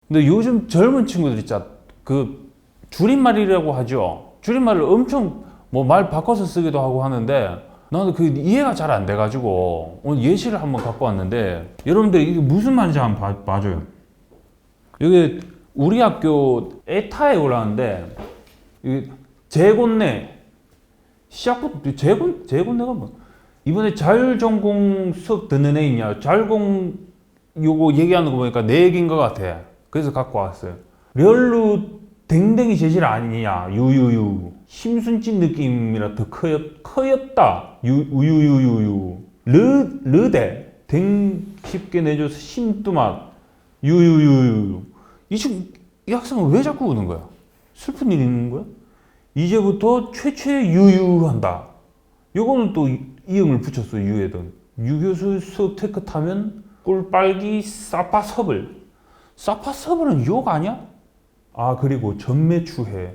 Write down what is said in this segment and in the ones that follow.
근데 요즘 젊은 친구들 있잖아. 그 줄임말이라고 하죠. 줄임말을 엄청 뭐 말 바꿔서 쓰기도 하고 하는데 나는 그 이해가 잘 안 돼가지고 오늘 예시를 한번 갖고 왔는데 여러분들 이게 무슨 말인지 한번 봐줘요. 여기 우리 학교 에타에 올라왔는데 재곤내 시작부터 재곤내가 뭐 이번에 자율전공 수업 듣는 애 있냐? 자율공 요거 얘기하는 거 보니까 내 얘기인 것 같아. 그래서 갖고 왔어요. 렬루 댕댕이 재질 아니냐? 유유유 심순진 느낌이라 더 커였다. 유유유유유 르대 댕 쉽게 내줘서 심뚜맛 유유유유 이 학생은 왜 자꾸 우는 거야? 슬픈 일 있는 거야? 이제부터 최최 유유한다. 요거는 또 이응을 붙였어. 유에든 유교수 수업 테크 타면 꿀빨기 사파서블. 사파서블은 욕 아니야? 아 그리고 전매추해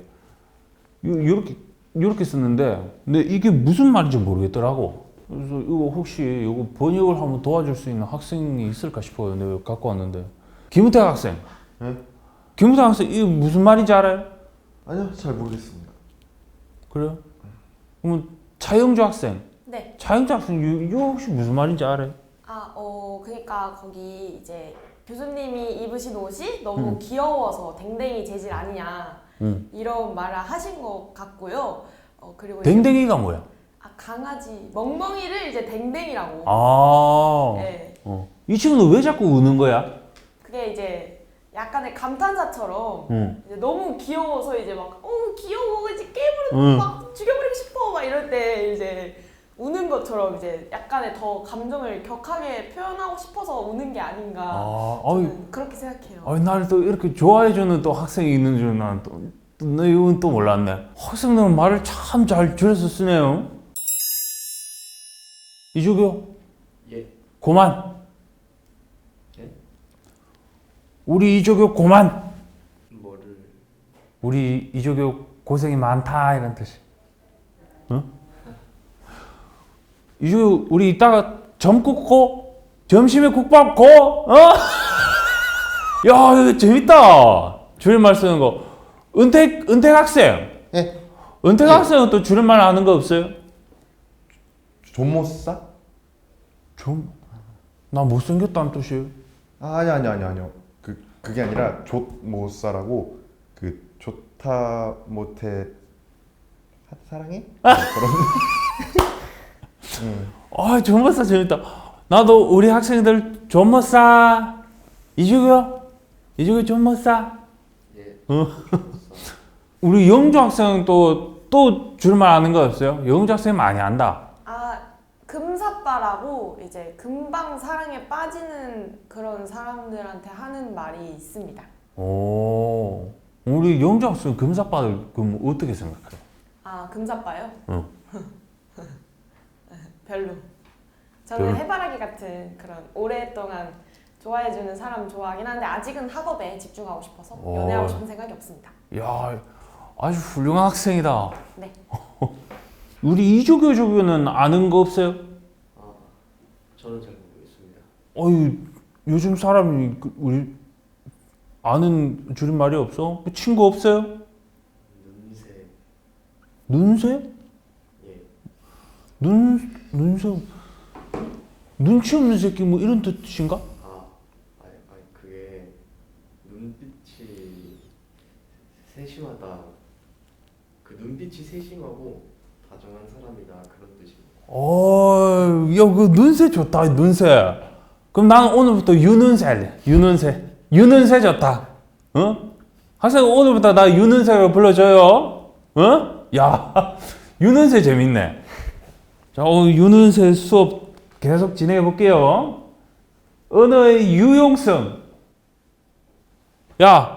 요렇게 썼는데 근데 이게 무슨 말인지 모르겠더라고. 그래서 이거 혹시 이거 번역을 한번 도와줄 수 있는 학생이 있을까 싶어요. 내가 갖고 왔는데 김우택 학생. 네? 김우택 학생 이게 무슨 말인지 알아요? 아니요, 잘 모르겠습니다. 그래요? 그러면 차영주 학생. 네. 차영주 학생 이거 혹시 무슨 말인지 알아요? 그러니까 거기 이제 교수님이 입으신 옷이 너무 귀여워서 댕댕이 재질 아니냐 이런 말을 하신 것 같고요. 그리고 댕댕이가 뭐야? 강아지 멍멍이를 이제 댕댕이라고. 네. 이 친구는 왜 자꾸 우는 거야? 그게 이제 약간의 감탄사처럼 이제 너무 귀여워서 이제 막 귀여워 이제 깨물고 막 죽여버리고 싶어 막 이럴 때 이제 우는 것처럼 이제 약간의 더 감정을 격하게 표현하고 싶어서 우는 게 아닌가 저는 그렇게 생각해요. 나를 또 이렇게 좋아해주는 또 학생이 있는 줄 나는 이건 또 몰랐네. 학생들은 말을 참 잘 줄여서 쓰네요. 이조교? 예. 고만. 예? 우리 이조교 고만. 뭐를? 우리 이조교 고생이 많다 이런 뜻이. 응? 이조교 우리 이따가 점국고 점심에 국밥 고 야 이거 재밌다. 줄임말 쓰는 거. 은택 학생. 예? 은택 학생은 또 줄임말 아는 거 없어요? 존모싸? 나 못생겼다는 뜻이에요. 아니요. 그게 아니라 좆모싸라고 그 좋다 못해 사랑해? 그런. 존머싸 재밌다. 나도 우리 학생들 존머싸. 이주교 존머싸. 예. 우리 영주 학생은 또 줄임말 아는 거 없어요? 영주 학생 많이 안다. 금사빠라고 이제 금방 사랑에 빠지는 그런 사람들한테 하는 말이 있습니다. 오, 우리 영주 학생 금사빠를 그럼 어떻게 생각해요? 금사빠요? 응. 별로. 저는 해바라기 같은 그런 오랫동안 좋아해주는 사람 좋아하긴 한데 아직은 학업에 집중하고 싶어서 연애하고 싶은 생각이 없습니다. 야, 아주 훌륭한 학생이다. 네. 우리 이조교는 아는 거 없어요? 저는 잘 모르겠습니다. 요즘 사람이 우리 아는 줄임말이 없어? 친구 없어요? 눈새. 눈새? 예. 눈새? 눈치 없는 새끼 뭐 이런 뜻인가? 아니 그게 눈빛이 세심하다. 그 눈빛이 세심하고 다정한 사람이다 그런 뜻입니다. 야, 그 눈새 좋다, 눈새. 그럼 나는 오늘부터 유눈새 할래. 유눈새 좋다. 학생 오늘부터 나 유눈새로 불러줘요. 야, 유눈새 재밌네. 자, 오늘 유눈새 수업 계속 진행해 볼게요. 언어의 유용성. 야,